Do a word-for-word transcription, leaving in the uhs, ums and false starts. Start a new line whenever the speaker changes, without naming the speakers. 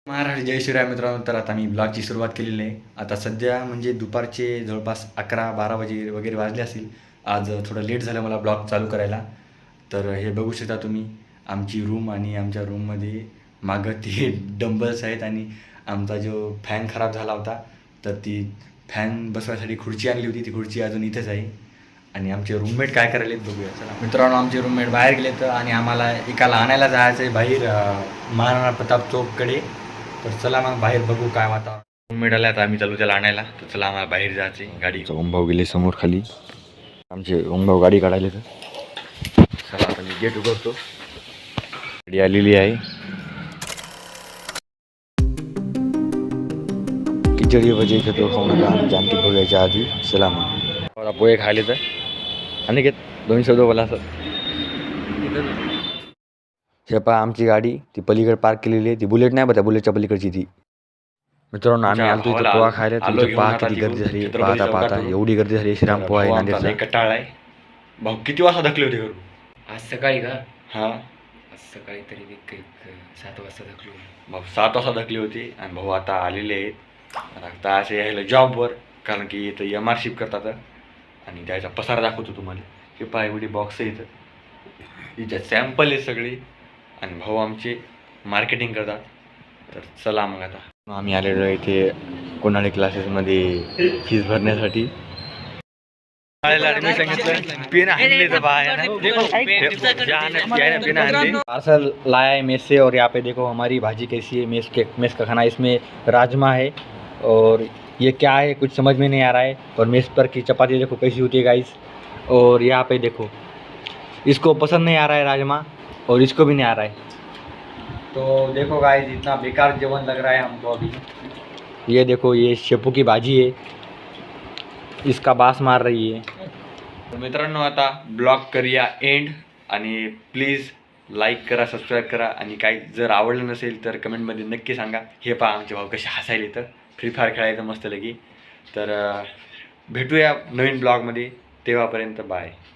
महाराष्ट्र जय शिवराय मित्रांनो. तर आता मी ब्लॉगची सुरुवात केलेली आहे. आता सध्या म्हणजे दुपारचे जवळपास अकरा बारा वाजे वगैरे वाजले असतील. आज थोडं लेट झालं मला ब्लॉग चालू करायला. तर हे बघू शकता तुम्ही आमची रूम आणि आमच्या रूममध्ये मागं ते डंबल्स आहेत आणि आमचा जो फॅन खराब झाला होता तर ती फॅन बसवायसाठी खुर्ची आणली होती. ती खुर्ची अजून इथेच आहे. आणि आमचे रूममेट काय करायलेत बघूया. चला मित्रांनो, आमचे रूममेट बाहेर गेलेत आणि आम्हाला एकाला आणायला जायचं आहे बाहेर महाराणा प्रताप चौककडे. तर चला मग बाहेर बघू काय वातावरण. रूममेट आला आता आम्ही चालू त्याला आणायला. तर चला आम्हाला बाहेर जायचे. गाडी ओमभाऊ गेले समोर खाली. आमचे ओमभाऊ गाडी काढायले. तर चला आता मी गेट उघडतो. गाडी आलेली आहे. खिचडी भजी घेतो खाऊ नका आणि जानकी बघायच्या आधी. चला मग पोहे खायले तर आणि घेत दोन्ही शब्द बोला असं. हे पहा आमची गाडी ती पलीकडे पार्क केलेली आहे. ती बुलेट नाही बघा, बुलेटच्या पलीकडची ती. मित्रांनो आम्ही आलतो इथं पोहा खायला. तुमचं पहा किती गर्दी झाली. पाहता पाहता एवढी गर्दी झाली. श्रीराम पोहा आहे नांदेडचा. कटाळ आहे भाऊ. किती वाजता धकले होते घरून?
आज सकाळी का?
हां
आज सकाळी तरी एक सात वाजता धकलो
भाऊ. सात वाजता धकली होती आणि भाऊ आता आलेले आहेत. आता असे यायला जॉबवर, कारण की इथं एम आर शिप करतात आणि त्याचा पसारा दाखवतो तुम्हाला. हे पहा एवढी बॉक्स आहे इथं. हिच्या सॅम्पल आहे सगळी आणि भाऊ आमचे मार्केटिंग करतात. तर चला मग आता आम्ही आलेलो आहे इथे कोणाळे क्लासेसमध्ये फीस भरण्यासाठी. पार्सल लाया है मेस से और यहाँ पे देखो हमारी भाजी कैसी है. मेस के मेस का खाना. इसमें राजमा है और ये क्या है कुछ समझ में नहीं आ रहा है. और मेस पर की चपाती देखो कैसी होती है गाइस. और यहाँ पे देखो इसको पसंद नहीं आ रहा है राजमा और इसको भी नहीं आ रहा है. तो देखो गाइस इतना बेकार जीवन लग रहा है हमको अभी. ये देखो ये शेपू की भाजी है. इसका बास मार रही है. तर मित्रांनो आता ब्लॉग करूया एंड. आणि प्लीज लाईक करा, सबस्क्राईब करा आणि काही जर आवडलं नसेल तर कमेंटमध्ये नक्की सांगा. हे पहा आमचे भाऊ कसे हसायले. तर फ्री फायर खेळायचं मस्त लगी. तर भेटूया नवीन ब्लॉगमध्ये. तेव्हापर्यंत बाय.